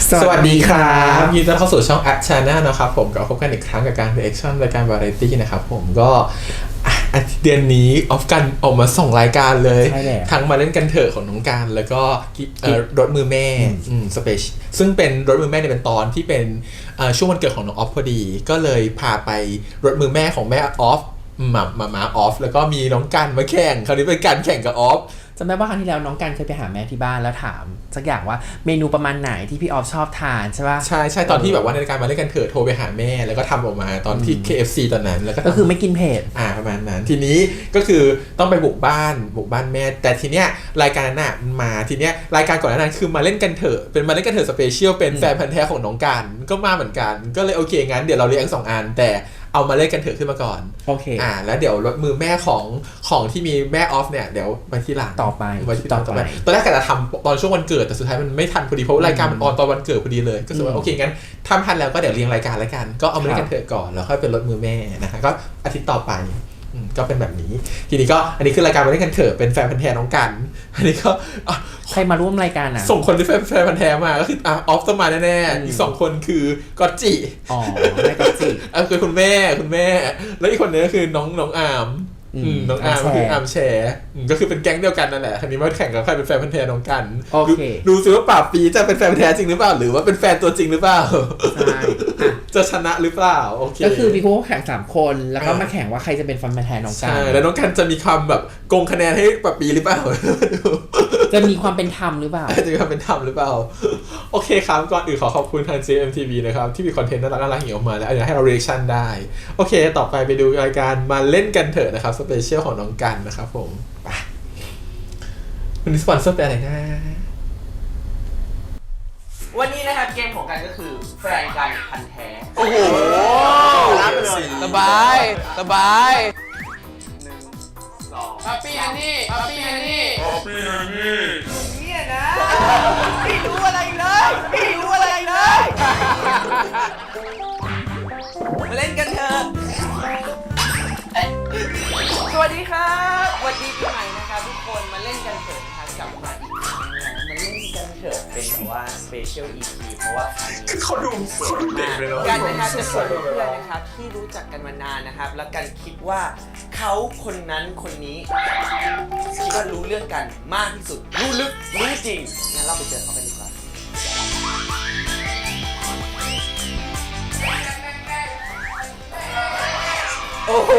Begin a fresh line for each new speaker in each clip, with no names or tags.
สวัสดีครับ
ยินดีต้อนรับเข้าสู่ช่อง At Channel นะครับผมก็พบกันอีกครั้งกับการ reaction รายการ Variety นะครับผมก็เดือนนี้ออฟกันออกมาส่งรายการเลยทั้งมาเล่นกันเถอะของน้องการแล้วก็รถมือแม่สเปเชียลซึ่งเป็นรถมือแม่เนี่ยเป็นตอนที่เป็นช่วงวันเกิดของน้องออฟพอดีก็เลยพาไปรถมือแม่ของแม่ออฟมาออฟแล้วก็มีน้องกันมาแข่งคราวนี้เป็นการแข่งกับออฟ
จำได้ว่าครั้งที่แล้วน้องกันเคยไปหาแม่ที่บ้านแล้วถามสักอย่างว่าเมนูประมาณไหนที่พี่ออฟชอบทานใช่ป่ะ
ใช่ตอนที่แบบว่าในรายการมาเล่นกันเถอะโทรไปหาแม่แล้วก็ทำออกมาตอนที่ KFC ตอนนั้นแล้ว
ก็คือไม่กินเผ็ด
ประมาณนั้นทีนี้ก็คือต้องไปบุกบ้านแม่แต่ทีเนี้ยรายการนั้นมาทีเนี้ยรายการก่อนหน้านั้นคือมาเล่นกันเถอะเป็นมาเล่นกันเถอะสเปเชียลเป็นแฟนพันธุ์แท้ของน้องกันก็มาเหมือนกันก็เลยโอเคงั้นเดี๋ยวเราเรียง2 อันแต่เอามาเล่นกันเถอะขึ้นมาก่อน
โอเค
แล้วเดี๋ยวรถมือแม่ของที่มีแม่ออฟเนี่ยเดี๋ยวมาที่หลัง
ต่อไป
ตอนแรกกะจะทำตอนช่วงวันเกิดแต่สุดท้ายมันไม่ทันพอดีเพราะรายการมันออนตอนวันเกิดพอดีเลยก็รู้ว่าโอเคงั้นทำทันแล้วก็เดี๋ยวเรียงรายการแล้วกันก็เอามาเล่นกันเถอะก่อนแล้วค่อยเป็นรถมือแม่นะฮะก็อาทิตย์ต่อไปก็เป็นแบบนี้ทีนี้ก็อันนี้คือรายการมาเล่นกันเถอะเป็นแฟนพันธุ์แท้น้องกันอันนี้ก็
ใครมาร่วมรายการ
ส่งคนที่แฟนพันธุ์แท้มาก็คือออฟต้องมาแน่ๆอีก2 คนคือกอตจิ
แม่กอตจิ
คือคุณแม่แล้วอีกคนนึงก็คือน้องอาร์มน้องอาร์มคืออาร์มแชร์ก็คือเป็นแก๊งเดียวกันนั่นแหละทีนี้มาแข่งกับใครเป็นแฟนพันธุ์แท้น้องกันดูซิว่าป่าปีจะเป็นแฟนพันธุ์แท้จริงหรือเปล่าหรือว่าเป็นแฟนตัวจริงหรือเปล่าจะชนะหรือเปล่าโอเค
ก็คือมีคู่แข่ง3 คนแล้วก็มาแข่งว่าใครจะเป็นแฟนพันธุ์แท้น้องกัน
ใช่แล้วน้องกันจะมีคำแบบโกงคะแนนให้ป่าปีหรือเปล่า
จะมีความเป็นธรรมหรือเปล่า
จะมีความเป็นธรรมหรือเปล่าโอเคครับก่อนอื่นขอขอบคุณทาง JMTV นะครับที่มีคอนเทนต์น่ารักๆอย่างออกมาแล้วอยากให้เรา reaction ได้โอเคต่อไปดูรายการมาเล่นกันเถอะนะครับสเปเชียลของน้องกันนะครับผมไปวันนี้สปอนเซอร์เป็นอะไรนะ
วันนี้นะครับเกมของกันก็คือแฟนกันพันแท้
โอ้โหรับไปเลย
สบาย1 2ปั๊ปปี้ฮันนี่เนี่ยนะไม่รู้อะไรเลยมาเล่นกันเถอะสวัสดีครับสวัสดีปีใหม่นะครับทุกคนมาเล่นกันเถอะนะครับกลับมาอีกครั้งนะมาเล่นกันเถอะเป็นแบบว่า Special EP เพราะว่าครั้งนี้
เขาดูเด็กเลยเนาะ
กันนะครับจะชวนเพื่อนนะครับที่รู้จักกันมานานนะครับแล้วกันคิดว่าเขาคนนั้นคนนี้คิดว่ารู้เรื่องกันมากที่สุดรู้ลึกรู้จริงงั้นเราไปเจอเขากันดีกว่าโอ้โห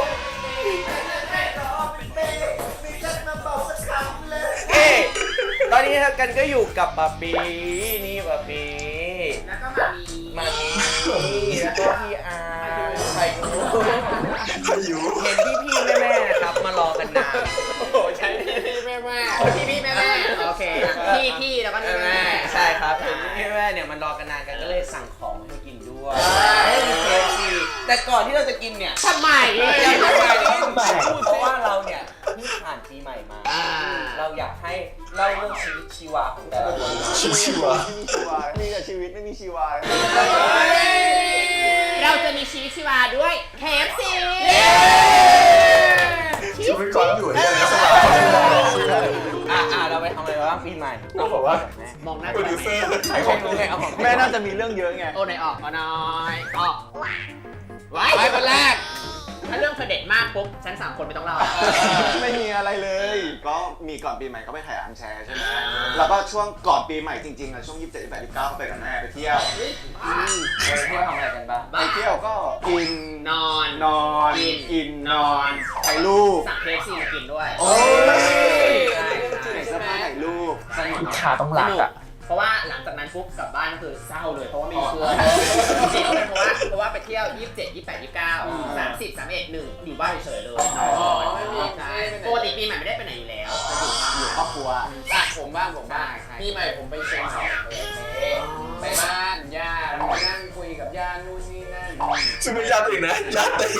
ตอนนี้ครับกันก็อยู่กับปาปีนี่ปาปีแล้วก็มามีแล้วก็พี่อาใครอยู่เห็นพี่แม่นะครับมารอกันนานโอ้โหใช่พี่แม่โอเคพี่แล้วก็แม่ใช่ครับเห็นพี่แม่เนี่ยมันรอกันนานกันก็เลยสั่งของมาให้กินด้วยมี KFC แต่ก่อนที่เราจะกินเนี่ย
ทำไม
เพราะว่าเราเนี่ยเพิ่งผ่านปีใหม่มาเราอยากให้เล่าเรื่องชีวิตชีวาของแต่ละคน
ชีวา
มีแต่ชีวิตไม่มีชีวา
เราจะมีชีวิตชีวาด้วย KFC
ชีวิตก่อนอยู่เนี่ยนะสบ
ายเราไปทำอะไรบ้างปีใหม่
ก็บอกว่าม
องหน้า
โปรดิวเซอร์
ใช้ของไงเอาของแม่น่าจะมีเรื่องเยอะไง
โอ้ไหนออกน้อยออกไว้คนแรกถ้าเรื่องเธอเด็ดมากปุ๊บฉัน3 คนไม่ต้องเล่า
ไม่มีอะไรเลยก็มีก่อนปีใหม่ก็ไปถ่ายอันแชร์ใช่ไหมแล้วก็ช่วงก่อนปีใหม่จริงๆอะช่วง27 28 29ก็ไปกับแม่ไปเที่ยว
ทำอะไรกันบ้าง
ไปเที่ยวก็กิน
นอน
กินนอนถ่ายรูป
สั่ง KFC มากินด้วย
โอ้ยเสื้อผ้าถ่ายรูป
ลูกค้าต้องรักอ่ะเพราะว่าหลังจากนั้นปุ๊บกลับบ้านก็คือเศร้าเลยเพราะว่าไม่มีเพื่อนจริงๆเพราะว่าไปเที่ยว27 28 29 30 31 1อยู่บ้านเฉยเลยปกติปีใหม่ไม่ได้ไปไหนอยู่แล้ว
อยู่ครอบครัวผมบ้างปีใหม่ผมไปเชียงใหม่ไปบ้านย่านั่งคุยกับย่านู่นนี่นั่น
ซึ่งไม่ยากอีกนะยากแต่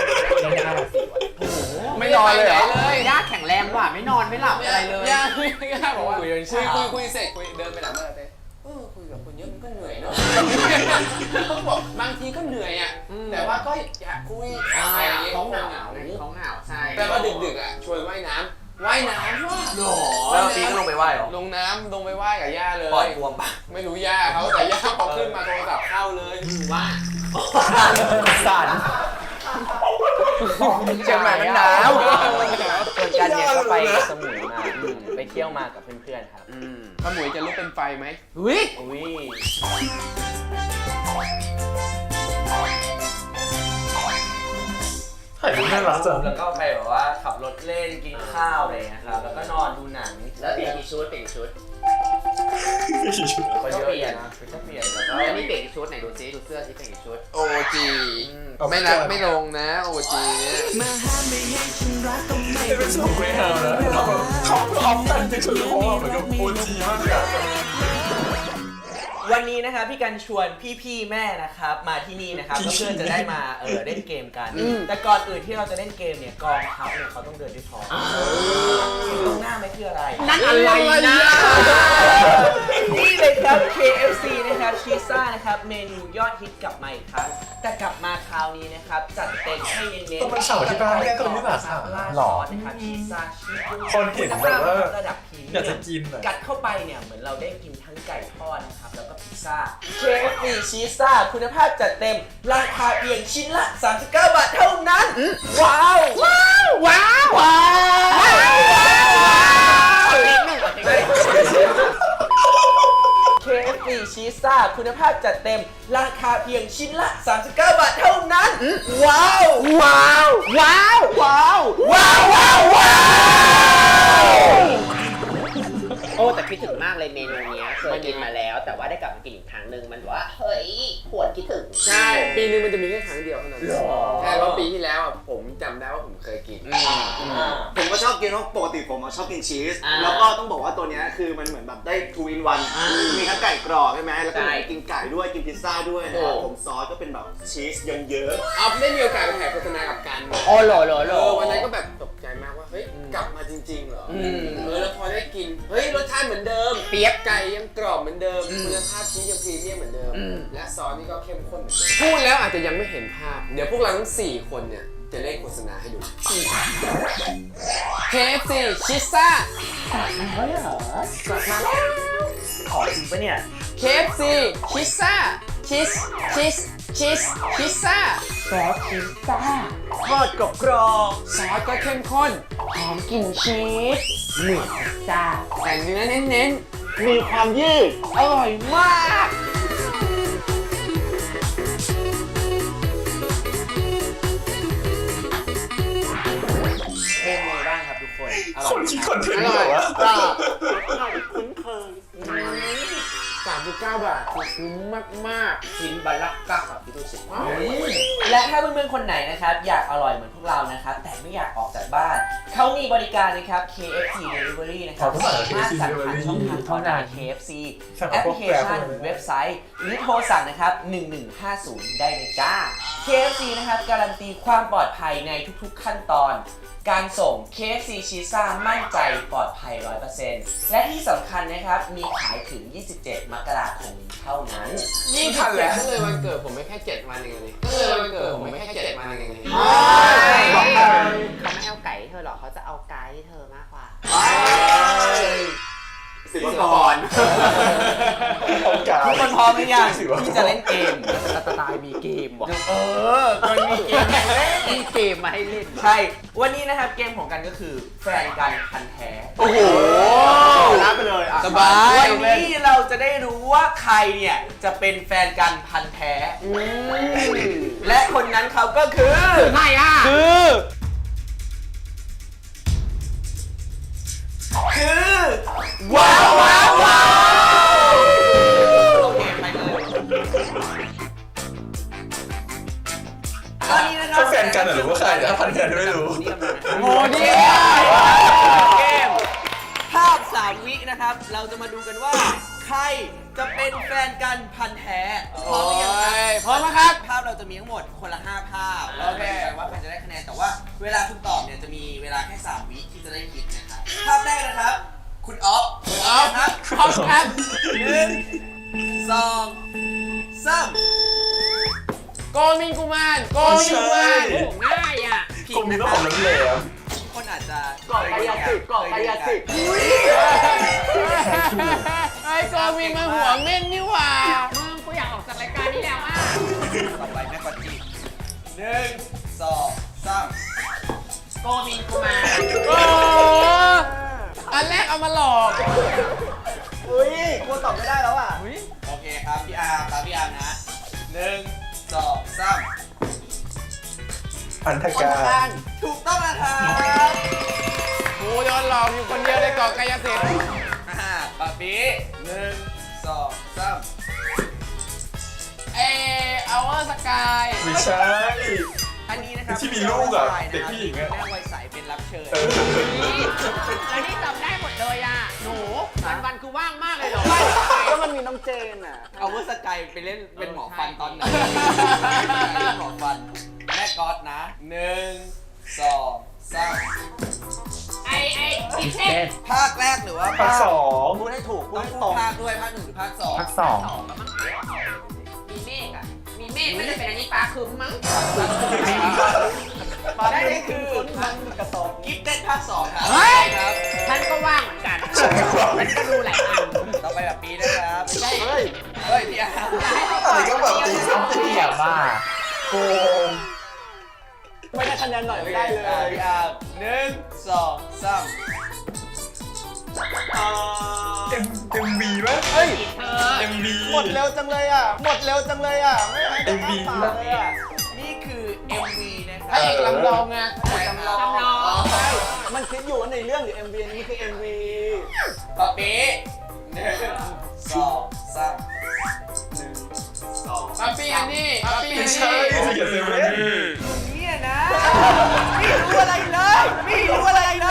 ไม่นอนเลยเหร
อย่าแข็งแรงว่ะไม่นอนไม่หลับอะไรเลย
ย่าบอกว่าคุยเสร็จเดินไปหลังบ้านเลยคุยกับคนเยอะมันก็เหนื่อยเนาะเขาบอกบางทีก็เหนื่อยอ่ะแต่ว่าก็อยากคุย
เขาหนาวใช่
แต่ว่าดึกๆอ่ะชวนว่ายน้ำ
ว่ายน้ำว่ะหรอ
แล้วปีก็ลงไปไหว้เหรอ
ลงน้ำลงไปว่ายกับย่าเลย
ปล่อยบวมปะ
ไม่รู้ย่าเขาแต่ย่าพอขึ้นมาโทรศัพท์เข้าเลยว่า
สั่นเชียงใหม่มันหนาวส่วนกันเนี่ยก็ไปสมุยมาไปเที่ยวมากับเพื่อนๆครับ
ขมุยจะลุกเป็นไฟไหม
อุ้ยอุ้ย
ถ่ายรูปน่ารักจัง
แล้วก็ไปแบบว่าขับรถเล่นกินข้าวอะไรอย่างเงี้ยครับแล้วก็นอนดูหนัง
แล้วเปลี่ยนกี่ชุดเปลี่ยนกี่ชุด
ก็เยอะอยู่นะก็เปลี่ยนแล้วก็
แล้วนี่เปลี่ยนกี่ชุดไหนดูซิดูเสื้อซิเปลี่ยนกี่ชุด
โอจีไม่นับไม่ลงนะโอจีเนี่ย
เป็นสองเวทีนะเขาออฟกันที่สุดเพราะว่าเหมือนกับโอจีมากเลย
วันนี้นะครับพี่กันชวนพี่ๆแม่นะครับมาที่นี่นะครับก็เพื่อจะได้มาเล่นเกมกัน แต่ก่อนอื่นที่เราจะเล่นเกมเนี่ยกองทัพเนี่ยเขาต้องเดินด้วยท้องตรงหน้าไม่คืออะไร
นั่นอะไรนะ
นี่เลยครับ KFC นะครับชีซ่านะครับเมนูยอดฮิตกลับมาอีกครั้งแต่กลับมาคราวนี้นะครับจัดเต็มให้เน้นๆ
ต้องมาเฉาที่บ้านเนี่ยตรงนี้แบบค่ะ
ล่า
หรอ
ซอสนะครับชีซ่าชีส
คนเห็นแบบว่า
ระดับพรีเมี
อยาก
ย
จะ
ม
กินอ่ะ
กัดเข้าไปเนี่ยเหมือนเราได้กินทั้งไก่ทอดนะครับแล้วก็พิซซ่า KFC ชีซ่าคุณภาพจัดเต็มราคาเพียงชิ้นละ 39 บาทเท่านั้น ว้าว ว้าว ว้าว ว้าว KFC ชีซ่าคุณภาพจัดเต็มราคาเพียงชิ้นละ 39 บาทเท่านั้น ว้าว ว้าว ว้าว ว้าว ว้าว ว้าว ว้าว
โอ้แต่คิดถึงมากเลยเมนูเนี้ยเคยกินมาแล้ว แต่ว่าได้กลับมากินอีกครั้งหนึ่งมันแบบว่าเฮ้ยหวนคิดถึง
ใช่ปีนึงมันจะมีแค่ครั้งเดียวเท่านั้นใช่เพราะปีที่แล้วอ่ะผมจำได้ว่าผมเคยกิน
ผมก็ชอบกินเพราะปกติผมชอบกินชีส แล้วก็ต้องบอกว่าตัวเนี้ยคือมันเหมือนแบบได้ทูอินวันมีทั้งไก่กรอบใช่ไหมแล้วก็กินไก่ด้วยกินพิซซ่าด้วยนะครับผมซอสก็เป็นแบบชีสเยอะ
เอาได้มีโอกาสไปถ่ายโฆษณากับกัน
โอ้โหโหโห
วันนั้นก็แบบตกใจมากว่าเฮ้ยกลับมาจริงๆเหรอแล้วพอได้กินเฮ้ยรสชาติเหมือนเดิมเปี๊ยกไก่ยังกรอบเหมือนเดิมคุณภาพชีสยังพรีเมียมเหมือนเดิมและซอสนี่ก็เข้มข้นเหมือนเดิมพูดแล้วอาจจะยังไม่เห็นภาพเดี๋ยวพวกเราทั้ง4คนเนี่ยจะเล่นโฆษณาให้ดู KFC ชิซ่า
ขอจริงปะเนี่ย
KFC ชิซ่าชีสพิซซ่า
ซอสพิซซ่าทอดกรอบ
ซอสก็เข้มข้น
หอมกลิ่นชีสเหนือพิซซ่า
แต่เนื้อเน้น
ๆ มีความยืด
อร่อยมากเป็นไงบ้างครับทุกคน
คนคิดคอนเทนต์แบบว่า
คุ้นเคย
39 บาทคือคุ้มมาก
ชิ้นบัลลักกักกับพี่ตุ้ยสิ
และถ้าเพื่อนๆคนไหนนะครับอยากอร่อยเหมือนพวกเรานะครับแต่ไม่อยากออกจากบ้านเขามีบริการนะครับ KFC Delivery นะครับสามารถสั่งผ่านช่องทางออนไลน์ KFC แอปพลิเคชันเว็บไซต์หรือโทรสั่งนะครับ1150ได้เลยจ้า KFC นะครับการันตีความปลอดภัยในทุกๆขั้นตอนการส่ง KFC ชีซ่ามั่นใจปลอดภัย 100% และที่สำคัญนะครับมีขายถึง 27 มกราคมเท่านั้น
ๆนี่ทันแล้วก็เลยวันเกิดผมไม่แค่7 วันเองนี่ก็เลยวันเกิดผมไม่แค่7 วันเองนี่
เขาไม่เอาไก่ให้เธอหรอกเขาจะเอาไก่ให้เธอมากกว่า
สิบกร
ทุกคนพร้อมหรือยังที่จะเล่นเกม
สไตล์มีเกมว่ะ
มันมีเกมให้เล่น
มีเกมมาให้เล่น
ใช่ วันนี้นะครับเกมของกันก็คือแฟนกันพันแท้
โอ้โห
รับไปเลยอ่ะ
สบาย
วันนี้เราจะได้รู้ว่าใครเนี่ยจะเป็นแฟนกันพันแท้ และคนนั้นเขาก็คือ
ใครอ่ะ
คือว้าวว้าวว้าวโอเคไปเลยตอนนี้นะครับ
เขาแฟนกันหรือว่าใครนะพันกันไม่รู้
โมดี
เกมภาพ3 วินะครับ เราจะมาดูกันว่า ใครจะเป็นแฟนกันพันแท้พร้อมหรือยังครับ
พร้อมไหมครับ
ภาพเราจะมีทั้งหมดคนละ5 ภาพโอเคว่าใครจะได้คะแนนแต่ว่าเวลาคุณตอบเนี่ยจะมีเวลาแค่3 วิที่จะได้คิดนะครับภาพแรกนะครับ คุณอ๊อฟครับ
พร้อมครับ
1 2 3
โกมินกุมารโกมินกุมาร
ง่ายอ่ะ
ผิ
กล
ด
มมี
นะ
ต้อง
ค
อ
รั
อบ กน้ำแหลม
คนอาจจะจะ
เกาะกายสิทธิ์เกาะกายสิทธิ์
ไอ้กวินมาหัวเม่นนี่หว่า
มึงกูอยากออกจากรายการนี้แล้วอ่ะ
ต่อไปแม่กอตจิ1 2 3
โกมินกูมา
โอ้อันแรกเอามาหลอก
อุ้ยกูตอบไม่ได้แล้วอ่ะ
โอเคครับพี่อาร์มครับพี่อาร์มนะ1 2 3
พันธการ
ถูกต้องนะครับ
กูโดนหลอกอยู่คนเดียวในเกาะกายสิทธิ์
ปะปี1 2 3
เอาเวอร์สกาย
ไม่ใช่
อันนี้นะครับ
ที่มีลูกอะเด็กผู้หญิงอะ
แม่วัยใสเป็นรับเชิญ
อันนี้จำได้หมดเลยอ่ะ หนูวันๆคือว่างมากเลยเหรอ
ก็มันมีน้องเจนอ่ะ
เอาเวอร์สกายไปเล่นเป็นหมอฟันตอนไหนหมอฟันแม่ก๊อตนะ1 2 3
ไอ้พิเศษ
ภาคแรกหรือว่า
ภาคสอง
พูดให้ถูกพูด
ต้อง
ให้
พู
ตร
ด
ง
ภาคด้วยภาค1หรือภาค2
ภาคสอง
มีเมฆอ่ะ มีเมฆไม่ได้เป็นอันนี้ฟ้าครึ้มมั้ง
มาได้คือมันกระสอบ
กิฟต์เต้นภาค2ครับ
เฮ้ย
ครับ
ท่านก็ว่างเหมือนกันมันก็ดูหลายอัน
ต่อไปแบบปีนะครับไม่ใช่
เฮ้ย
เฮ้ยพี่อาร์ม
อะไรก็แบบตีซ้ำตีอ่ะบ้าโกง
ไม่ได้คะแนนหน่อยไม่ได้เลย
พี่อาร์ม1 2 3
เอ็มบีไหม
เฮ้ย
เธอ
เอ็มบี
หมดเร็วจังเลยอ่ะ หมดเร็วจังเลยอ่ะ ไม่ให้ได้อ้าปากเลยอ่ะ
นี่คือ MV นะค
พ
รั
ระเอกลำลองไง
จำลอง
ใช่ มันคิดอยู่ว่าในเรื่องหรือ MV อันนี้คือ MV
ปะปี1 2 3
ปั๊ปปี้อันนี้ปั๊ปปี้อัน
ไม่
นี้
ใช่ที่เขียนเซเว่น
เนี่ยนะไม่รู้อะไรเลย ไม่รู้อะไรเลย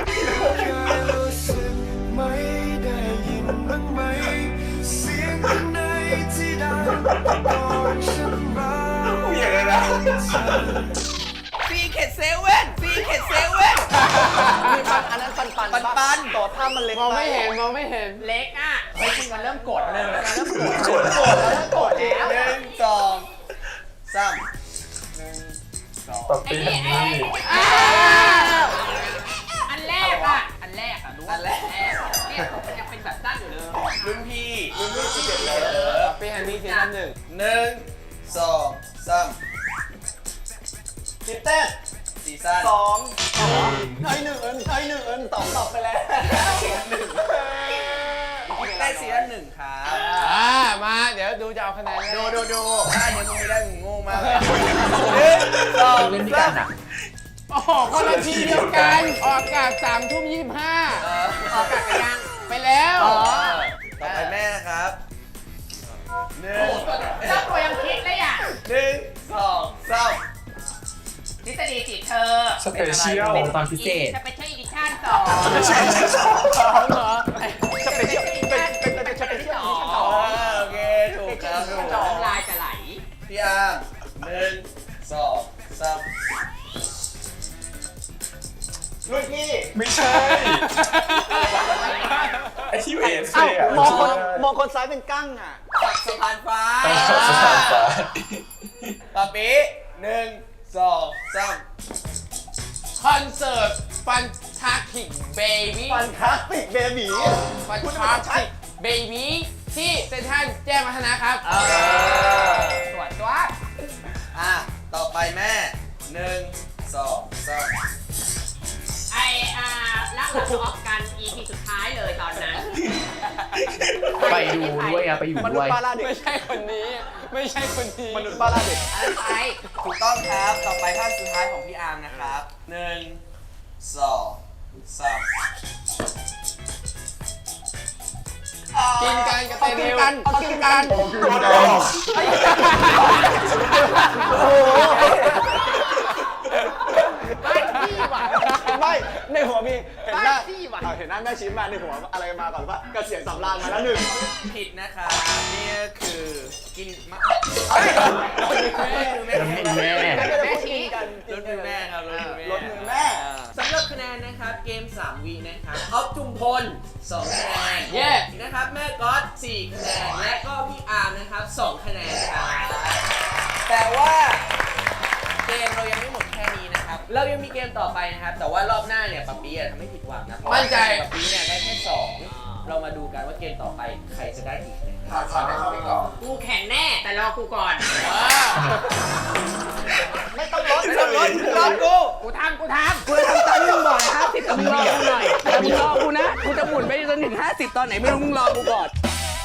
ไม่ได้ยินบ้างไหมเสียงข้างในที่ดังก่อนฉันมา
อย่างไรนะ
ซีเข็ดเซเว่นซีเข็ดเซเว่น
มีปันอันนั้นปัน
ปัน
ต่อท่ามันเล็ก
มองไม่เห็นมองไม่เห็น
เล็กอ่ะเฮ้ยมันเริ่มกดเลยมันเริ่มกด
กด
โกรธแล้วโกรธแล้ว
1 2 3
ปรับปีฮันนี่
อันแรกอ่ะ อันแรกอ่ะรู้
อันแรก
เนี่ยมันยังเป็นแบบสั้นอยู่เลย
รุ่นพี่
ปั๊ปปี้อันนี้ซีซั่นหนึ่ง
1 2 3
คิดเต้น
ซีซั่น
สองใช่หนึ่งใช่หนึ่งตอบตอบไปแล้ว
ได้ซีซั่น1ครับ
มาเดี๋ยวดูจะเอาคะแนน
ดูถ้าอันนี้มึงไม่ได้มึงโง่มากเลย1 2
เล่นด้วยกันอ่ะ
โอ้โหคนละทีเดียวกันออกอากาศ3 ทุ่ม
ออกอากาศไปยัง
25ไปแล้ว
ต่อไปแม่นะครับ1
เจ้าตัวยังคิดเลยอ่ะ
1 2 3
ทฤษฎีจีบเธอ
สเปเชียลตอนพิเศษ
จะไปเที่ยวอีดิชั่นสอง
ไม่ใช่
เหรอ
จะไปเที่ยวที่สอง
โอเคถูกครับถูก
สองลายจะไหล
พี่อาร์ม1 2 3
รุ่นพี่
ไม่ใช่ไอที่เอส
อ้าว
อ่ะ
มองคนซ้ายเป็นกั้งอ่ะ
ปักสะพานฟ้า
สถานฟ้า
ปะปี1 2 3
คอนเสิร์ตฟันทาคิกเบบี้
ฟันคลาสติกเบบี
ฟันทาคิกเบบี้ที่เซ็นทรัลแจ้งวัฒนะครับ
ตรวจตัว
ต่อไปแม่1 2 3
ไอแล้วเราออกกัน EP สุดท้ายเลยตอนนั้น
ไปดูด้วยอ่ะไปอยู่
มนุษ
ด้วย
ย์ป้าล่าเด็ก
ไม่ใช่คนนี้ ไม่ใช่คนนี้
มนุษย์ป้าล่าเด็ก
อะไรไป
ถูกต้องครับ ต่อไปภาพสุดท้ายของพี่อาร์มนะครับ1 2 3
กินกันกับเต
เอากิ
นิ
น
ว
กันเอากินกัน
กดออก
โอ้โห
บ้านพี่ว่ะ
ไม่ในหัวมีเห็นหน้า
บ้าจี้ว่ะ
เห็นหน้าแม่ชี้มาในหัวอะไรมาก่อนว่าเกษียณสำราญมาแล้วหนึ่ง
ผิดนะครับนี่ก็คือกินมะ
แม่
ก็จะพูดกินกัน
รถมือแม่ครับรถมือแม่
รถมือแม่
สำหรับคะแนนนะครับเกม3วีนะครับออฟจุมพล2คะแนน
เย้
นะครับแม่ก๊อต4คะแนนและก็พี่อาร์มนะครับ2คะแนนครับแต่ว่าเกมเรายังไม่หมดแค่นี้นะครับนะครับเรายังมีเกมต่อไปนะครับแต่ว่ารอบหน้าเนี่ยป๊าปี้ทำให้ผิดหวังนะมั่นใจป๊าปี้เนี่ยได้แค่2เรามาดูกันว่าเกมต่อไปใครจะได้อีกนะครับ
ขอให้เขาไปก่อน
กูแข่งแน่แต่รอกูก่อน
ไม่ต้องลดรอกู
กูทำ
กูจะทำตามที่มึงบอกเลย50แต่มึงรอกูหน่อยแต่มึงรอกูนะกูจะหมุนไปจนถึง50ตอนไหนไม่รู้มึงรอกูก่อน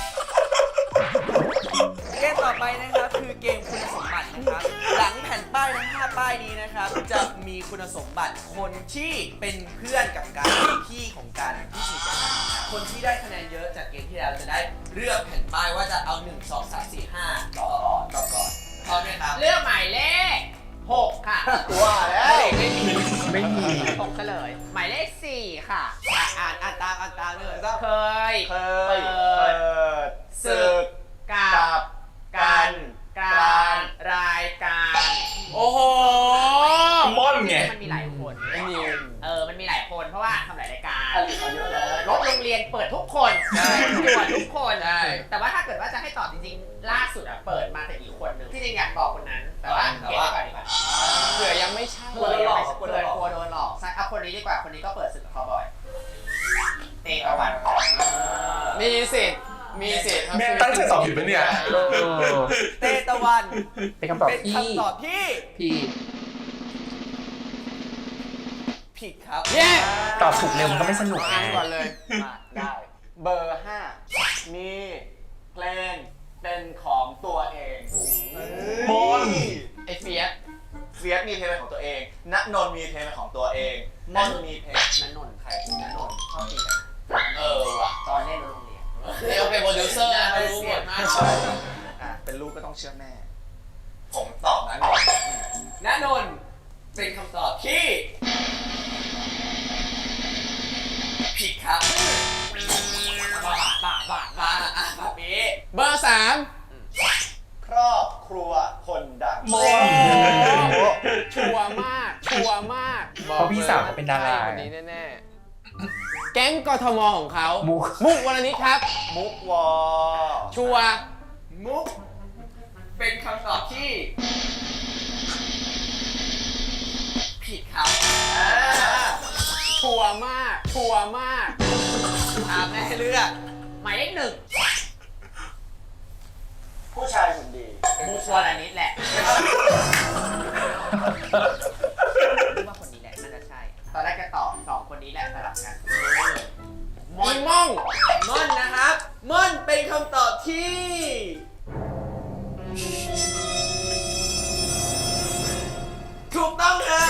เกมต่อไปนะครับคือเกมคุณสมบัตินะครับหลังแผ่นป้ายทั้ง5ป้ายนี้นะครับจะมีคุณสมบัติคนที่เป็นเพื่อนกับกันพี่ของกันที่สนิทกันนะครับคนที่ได้คะแนนเยอะจากเกมที่แล้วจะได้เลือกแผ่นป้ายว่าจะเอา1 2 3 4 5ต่อก่อนพร้อมไหมครับ
เลือกหมายเลข 6 ค่ะ
ว่าแล้ว
ไม่มี
6เฉลยหมายเลข 4 ค่ะ
อ่านตามเลย
เคย
เค
เปิ
ย
ด
ศึก
กับการรายการ
โอ้โห
ม่อนไง
มันมีหลายคน
ไอ้นิว
มันมีหลายคนเพราะว่าทำหลายรายการ
อะไรเขาเยอะเลย
รถโรงเรียนเปิดทุกคน
ใช่
ตรวจทุกคน
ใช่
แต่ว่าถ้าเกิดว่าจะให้ตอบจริงๆ ล่าสุดเปิดมาแต่อีกคนนึงที่จริงอยากบอกคนนั้น แต่ว่าเก็บไว้ก่อนดีกว่า
เผื่อยังไม่ใช่
เผื่อยังไม่เผื่อกลัวโดนหลอกใช่เอาคนนี้ดีกว่าคนนี้ก็เปิดศึกกับเขาบ่อยเตะตะวัน
มีสิทธิ์ครับ
แม่ตั้งใจตอบผิดปะเนี่ย
เตตะวัน
เป็นคำตอบ
เป็น
ที่
คำตอบที่
พี่
ผิดครับ
เย้
ตอบถูกเร็วมันก็ไม่สนุก
อ่านก่อนเลย
ได้ เบอร์ 5 มีเพลงเป็นของตัวเอง
มน
ไอ้เฟียส
เฟียสมีเพลงเป็นของตัวเองณนนท์มีเพลงเป็นของตัวเองมอนมีเพลง
นันนนท์ใครนันนนท์ชอบตีกัน
ว่ะ
ตอนเล่นโรงเรียน
เดี๋ยวเป็นโปรดิวเซอร์นะรู้หมดมาก
เป็นลูกก็ต้องเชื่อแม่
ผมตอบนะณนนท์เป็นคำตอบที่ผิดครับบ้าอ่ะปี
เบอร์ 3
ครอบครัวคนดัง
มน
ชัวร์มาก
เพราะพี่สาวเขาเป็นดารา
คนนี้แน่ๆแก๊งกทมของเขา
มุก
มุกวรณิตครับ
มุกวอ
ชัวร์
มุกเป็นคำตอบที่ผิดครับ
ชัวร์มาก
ถามแม่เลือก
หมายเลข 1
ผู้ชายคนดี
มุกวรณิตแหละคิดว่าคนนี้แหละน่าจะใช่ ตอนแรกจะตอบ2คนนี้แหละสลับกัน
อีม่อง
ม่อนนะครับม่อนเป็นคำตอบที่ถูกต้องครับ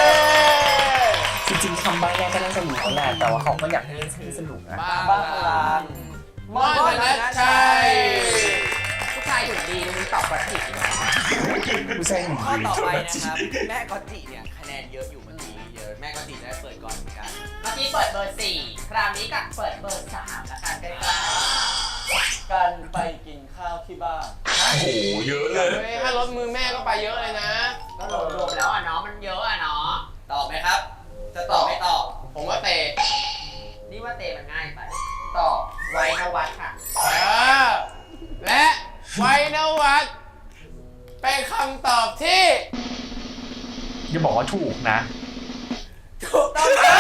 จริงๆคำใบ้แรกก็น่าจะรู้แล้วแหละแต่ว่าเขาก็อยากให้เล่นให้สนุกนะ
บ้าพลังม่อนธนชัย
ผู้ชายหุ่นดีมึงตอบกระติก
ผู้ชายหนุ่ม
ข้อ
ดี
ต่อไปนะครับ แม่กอตจิเนี่ยคะแนนเยอะอยู่เมื่อกี้เยอะแม่กอตจิจะได้เปิดก่อนเหมือนกัน
เมื่อกี้เปิดเบอร์ 4 คราวนี้ก็เปิดเบอร์ 3 แล้วกันใกล้
กันไปกินข้าวที่บ้าน
โอ้โห เยอะเลย
เฮ้ยถ้ารถมือแม่ก็ไปเยอะเลยนะ
ๆก็รวมๆแล้วเนาะมันเยอะเนาะ
ตอบไหมครับ จะตอบไม่ตอบ
ผมว่าเตะ
นี่ว่าเตมันง่ายไปตอบไว้นวัดค่ะ
และไวนวัฒน์เป็นคำตอบที่
อย่าบอกว่าถูกนะ
ถูกต้องครับ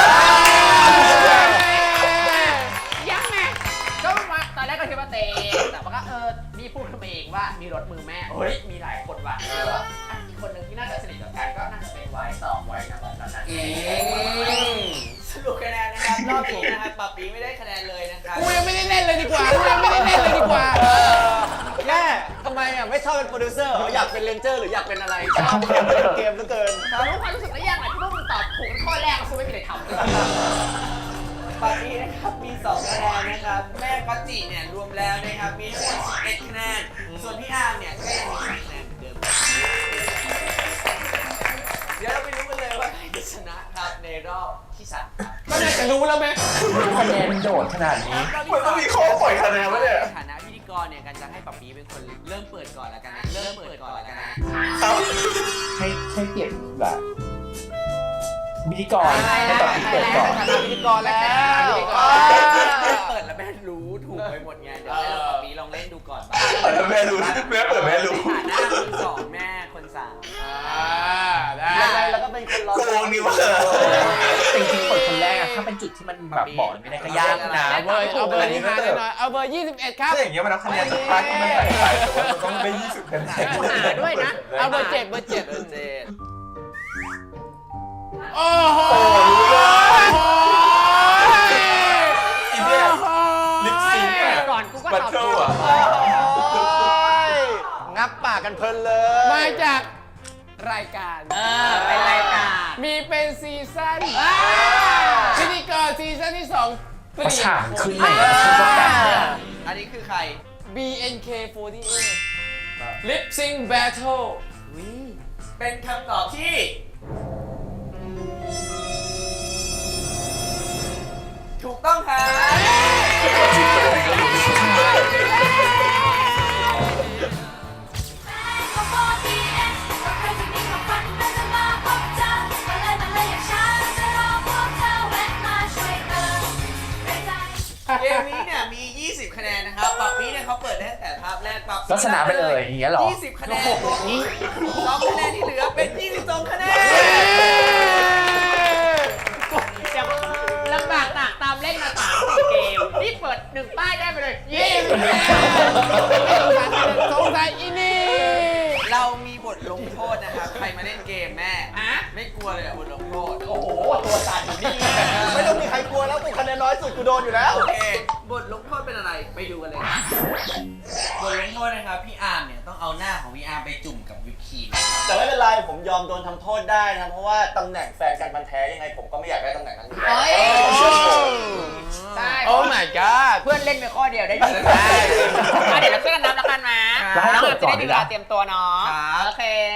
ยังไงก็มาตอนแรกก็คิดว่าเตแต่ว่าก็นี่พูดขึ้นมาเองว่ามีรถมือแม่เฮ้ยมีหลายคนว่ะอีกคนหนึ่งที่น่าจะสนิทกับกันก็น่าจะเป็นไว้ตอบไว้นะตอนนั้น
สรุปคะแนนนะครับรอบนี้นะครับปับปีไม่ได้คะแนนเลยนะครับ
กูยังไม่ได้เล่นเลยดีกว่า
แม่ทำไมอ่ะไม่ชอบเป็นโปรดิวเซอร์เหรออยากเป็นเรนเจอร์หรืออยากเป็นอะไรชอบเล่นเกมเหลือเกิน
รู้ความรู้สึกแล้วยังไงที่พวกมึงตอบถูกข้อแรกคุณไม่มีอะไรทำเลย
ปับปีนะครับมี2คะแนนนะครับ แม่กอตจิเนี่ยรวมแล้วนะครับมีทั้งหมด11คะแนน ส่วนพี่อาร์มเนี่ยก็ยังมี3คะแนนเหมือนเดิม เดี๋ยวเราไปรู้กันเลยว่าใครจะชนะครับในรอบที่3ครับ
ก็น่าจะรู้แล้วไหม
คะแนนโดดขนาดนี้
มันต้องมีข้อปล่อยคะแนนไว้เนี่ย
ในฐานะพิธีกรเนี่ยกันจะให้ปับปีเป็นคนเริ่มเปิดก่อนแล้วกันนะเริ่มเปิดก่อนแล้วกันนะ
ให้เปรียบแบบพิธีกรให้ตอบที่เปิดก่อน
พิธีกรแล้ว
เปิดแล้วแม่รู้ถูกไปหมดไงเดี๋ยวให้ปับปีลองเล่นดูก่อนบ้าง
แม่รู้แม่เปิดแม่รู้
ในฐานะคน2แม่คน3
ได้
ยังไงแล้วก็เป็นคนรอ
โกรธ
ที่มันแบบบอกไม่ได้ก็ยากนะ
เอาเบอร์นี้มาหน่อยเอาเบอร์21ครับ
ถ้าอย่างเงี้ยมันนับคะแนนจากป้ายที่มันใส่ไปแต่ว่ามันต้องได้20คะแนน
หาด้วยนะ
เอาเบอร์7เบอร์7 โอ้โห
อีเนี่ยลิปซิงค์อะ
ก่อนกูก็
บัต
ตอบ
เทิ
ถู
ล
ก
อะ
งับปากกันเพลินเลย
มาจากรายการ
เป็นรายการ
มีเป็นซีซั่นพิธีกรซีซั่นที่2เปลี่ยน
ฉากขึ้นเลย
อันนี้คือใคร
BNK48 Lip Sync Battle
เป็นคำตอบที่ถูกต้องครับ เกมนี้เนี่ยมี 20 คะแนนนะครับปับนี้เนี่ยเขาเปิดได้ตั้งแต่ภาพแรกปับ
ลักษณะไปเลยอย่างเงี้ยเหรอ
20 คะแนนบวกอีก2คะแนนที่เหลือเป็น 22 คะแนน
เดี๋ยวลำบากตากตามเล่นมา3-4 เกม นี่เปิด1 ป้ายได้ไปเลย
สงสัยอีนี่
เรามีบทลงโทษนะครับ ใครมาเล่นเกมแม่ ไม่กลัวเลยอะบทลงโทษ
โอ้โห ตัวสั่นอยู่นี่
ไม่ต้องมีใครกลัวแล้วกูคะแนนน้อยสุดกูโดนอยู่แล้ว โอเค บทลงโทษเป็นอะไร ไปดูกันเลย บทลงโทษนะครับ พี่อาร์มเนี่ยต้องเอาหน้าของพี่อาร์มไปจุ่มกับวิปครีม
แต่ไม่เป็นไรผมยอมโดนทำโทษได้นะเพราะว่าตำแหน่งแฟนกันมันแท้ยังไงผมก็ไม่อยากได้ตำแหน่งนั้นอยู่แล้ว
ใช่
โอ้ my god
เพื่อนเล่นไปข้อเดียวได้ดีเดี๋ยวเราช่วยกันนับแล้วกันนะ
แล้วให้
น้อง
เปิ
อา
ด
จจะ
ก่อน
ได้
ดี
มีเว
นะ
ลาเตรียมตัวเนาะ
ครับ
โอเค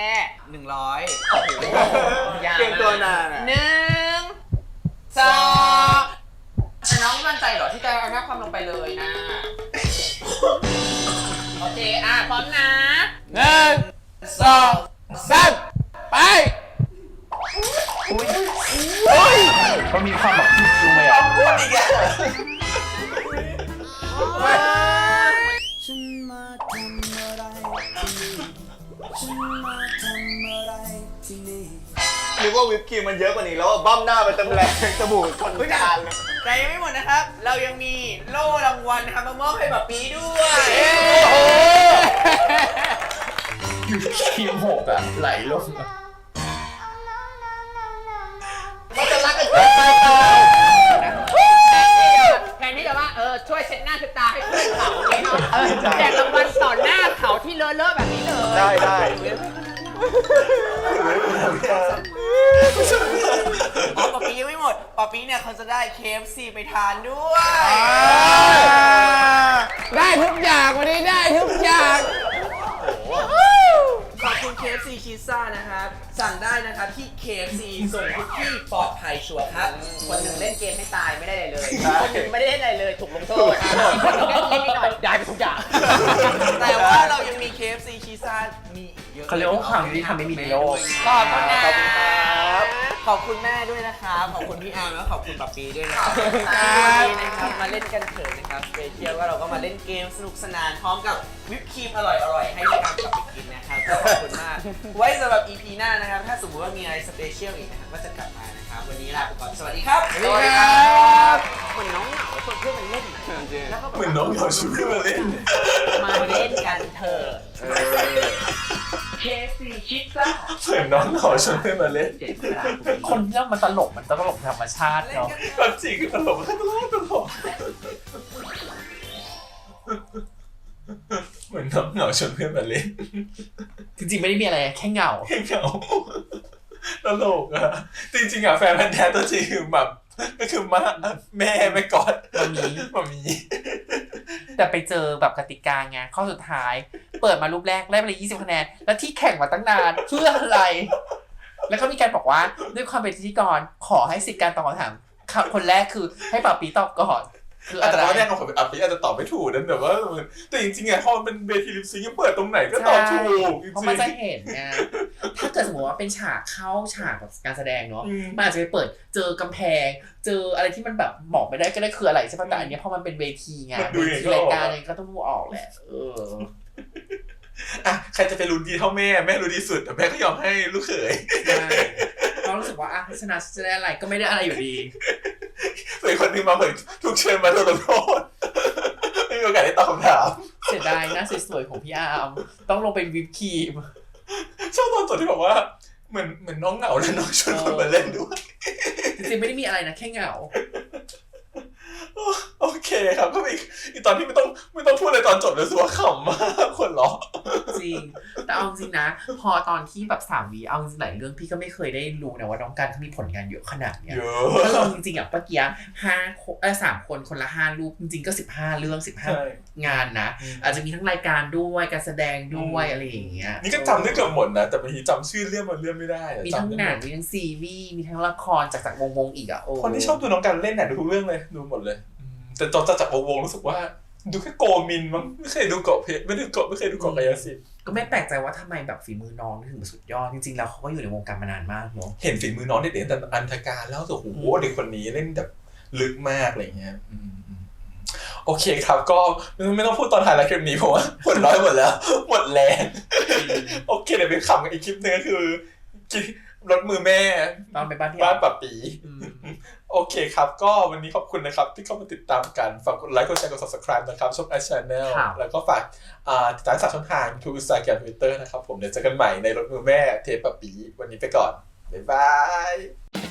100
อย่า
เกมตัวนานอะ
1 2แต่น้องมั่นใจเหรอที่จะเอาหน้าความลงไปเลยนะ โอเค พร้อมนะ
1 2 3 ไป
มันมีความแบบดูไหมอ่ะ
ฉันมาทำอะไรที่นี่ฉันมาทำอะไรที่นี่
นึกว่าวิปครีมมันเยอะกว่านี้แล้วอะบั้มหน้าไปเต็มแรงจมูกชนจานเลย
แต่ยังไม่หมดนะครับ เรายังมีโล่รางวัลนะครับมามอบให้แบบปีด้วย
ครีมหกอ่ะไหลลง
มันจะรักกันเกินไปเปล่า
แทนที่จะว่าช่วยเช็ดหน้าเช็ดตาให้เพื่อนเขาเนี่ยเนาะแจกรางวัลต่อหน้าเขาที่เลอะๆแบบนี้เลย
ได้
อ๋อปอปียังไม่หมดปอปีเนี่ยเขาจะได้ KFC ไปทานด้วย
ได้ทุกอย่างวันนี้ได้ทุกอย่าง
ขอบคุณ KFC ชีซ่านะครับ สั่งได้นะครับที่ KFC ส่งทุกที่ปลอดภัยชัวร์ครับ
คนหนึ่งเล่นเกมให้ตายไม่ได้อะไรเลย คนหนึ่งไม่ได้เล่นอะไรเลยถูกลงโทษคนหนึ่งเล่นนิดหน่อยได้ไปทุกอย่าง
แต่ว่าเรายังมี KFC ชีซ่ามีอีกเยอะ
เขาเรียกว่าความยุติธรรมไม่มีในโลก
ขอบคุณนะ
ขอบคุณแม่ด้วยนะครับ ขอบคุณพี่อาร์มแล้วขอบคุณปัปปีด้วยนะครับ
ขอบคุณครับ
ที่วันนี้นะครับมาเล่นกันเถอะนะครับสเปเชียลว่าเราก็มาเล่นเกมสนุกสนานพร้อมกับวิปครีมอร่อยๆให้พี่อาร์มกลับไปกินนะครับก็ขอบคุณมาก ไว้สำหรับ EP หน้านะครับ ถ้าสมมติว่ามีอะไรสเปเชียลอีกนะครับก็จะกลับมานะครับ วันนี้ลาไปก่อน สวัสดีครับ
สวัสดีครับ
เหมือนน้องเหงาชวนเพื่อนมันเล่นนะแล้วก็แบบ
เหมือนน้องเขาช่วยมาเล่น
มาเล่นกันเถอะ KFC ชิซ่า
เหมือนน้องเขาช่วยมาเล่น
คนที่มันตลกธรรมชาติเนาะ
ความจริงก็ตลกเหมือนน้องเหงาชวนเพื่อนมาเล่น
จริงๆไม่ได้มีอะไรแค่เหงา
เหงาตลกอะจริงๆอะแฟนพันธุ์แท้ตัวจริงคือแบบก็คือแม่ไม่กอดมามี
แต่ไปเจอแบบกติกาไงข้อสุดท้าย เปิดมารูปแรกได้ไปเลย20 คะแนน แล้วที่แข่งมาตั้งนานเพื่ออะไร แล้วก็มีการบอกว่าด้วยความเป็นพิธีกรขอให้สิทธิ์การตอบคำถามคนแรกคือให้ป่าปีตอบก่อน คือ
อา
อะ
จจะ
ไร
ตอนแรกผมอาจจะตอบไม่ถูกนั่นแต่ว่าแต่จริงๆอะพอมันเป็นเวทีลิปซิงค์เปิดตรงไหนก็ตอบถูกจริง
เพราะมันจะเห็นไงถ้าเกิดสมมติว่าเป็นฉากเข้าฉากแบบการแสดงเนาะมันอาจจะไปเปิดเจอกำแพงเจออะไรที่มันแบบบอกไม่ได้ก็ได้คืออะไรใช่ป่ะแต่อันนี้พอมันเป็นเวทีไงเวทีรายการอะไรก็ต้องดูออกแหละ
อ่ะใครจะไปรู้ดีเท่าแม่รู้ดีสุดแต่แม่ก็ยอมให้ลูกเขย
ใช่เพราะรู้สึกว่าอ่ะชนะจะได้อะไรก็ไม่ได้อะไรอยู่ดี
ส่วนคนหนึงมาเหมือนถูกเชิญมาโดนลงโทษไม่มีโอกาสได้ตอบคำถาม
เสียดายหน้าสวยๆของพี่อาร์มต้องลงเป็นวิปครีม
ชอบตอนจบที่บอกว่าเหมือนน้องเหงาแล้วน้องชวนคนมาเล่นด้วย
จริงๆไม่ได้มีอะไรนะแค่เหงา
โอเคครับก็อีกตอนที่ไม่ต้องพูดอะไรตอนจบเลยสัวขำมากคนล้อ
จริงแต่เอาจริงนะพอตอนที่แบบ3 วีเอาจริงหลายเรื่องพี่ก็ไม่เคยได้รู้นะว่าน้องการเขามีผลงานเยอะขนาดเนี้ย
เย
ถ้าล
อะ
องจริงๆอ่ะเมื่อกี้3 คนคนละ5 รูปจริงๆก็15 เรื่อง15 งานนะอาจจะมีทั้งรายการด้วยการแสดงด้วยอะไรอย่างเงี้ย
นี่ก็จำได้เกือบหมดนะแต่บางทีจำชื่อเรื่องมันเรื่องไม่ได้
มีทั้งหนังมีทั้งซีรีส์มีทั้งละครจากวงอีกอ่ะโอ้
คนที่ชอบดูน้องการเล่นเนี่ยดูทุกเรื่องเลยดูหมดเลยแต่ตอนจากวงรู้สึกว่าดูแค่โกมินมั้งไม่เคยดูเกาะเพชรไม่เคยดูเกาะกายสิทธิ์
ก็ไม่แปลกใจว่าทำไมแบบฝีมือน้องถึงสุดยอดจริงๆแล้วเขาก็อยู่ในวงการมานานมากเนาะ
เห็นฝีมือน้องเด็กๆแต่อันธการแล้วโอ้โหเด็กคนนี้เล่นแบบลึกมากอะไรเงี้ยโอเคครับก็ไม่ต้องพูดตอนถ่ายรายการนี้เพราะว่าหมดร้อยหมดแล้วหมดแรงโอเคเดี๋ยวไปขำกันอีกคลิปนึงก็คือรถมือแม่
ตอนไปบ้านพี่
บ้านปับปีโอเคครับก็วันนี้ขอบคุณนะครับที่เข้ามาติดตามกันฝากกดไลค์กดแชร์กด subscribe นะครับช่อง iChannel แล้วก็ฝากติดตาม3ช่องทาง YouTube Instagram Twitter นะครับผมเดี๋ยวเจอกันใหม่ในรถมือแม่เทปปับปีวันนี้ไปก่อนบ๊ายบาย